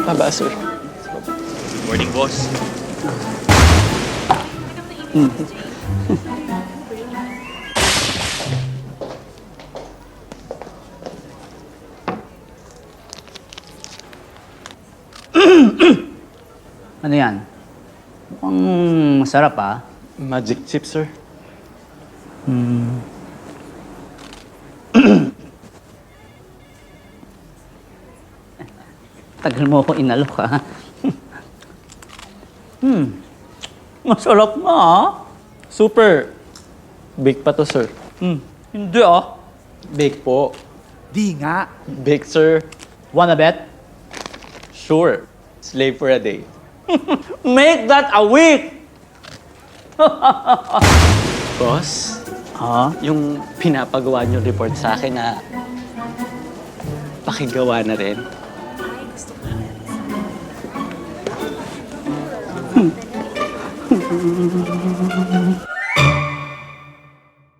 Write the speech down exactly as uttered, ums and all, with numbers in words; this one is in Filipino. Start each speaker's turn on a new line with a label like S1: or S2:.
S1: Baba, sir.
S2: Morning, boss.
S3: Ano yan? Mukhang masarap ah.
S1: Magic chip, sir.
S3: Tagal mo ako inalok ha. hmm. Masarap nga ah.
S1: Super. Bake pa to, sir.
S3: Hmm. Hindi ah.
S1: Bake po.
S3: Di nga.
S1: Bake, sir.
S3: Wanna bet?
S1: Sure. Slave for a day.
S3: Make that a week!
S1: Boss,
S3: Ha?
S1: yung pinapagawa niyo report sa akin na pakigawa na rin.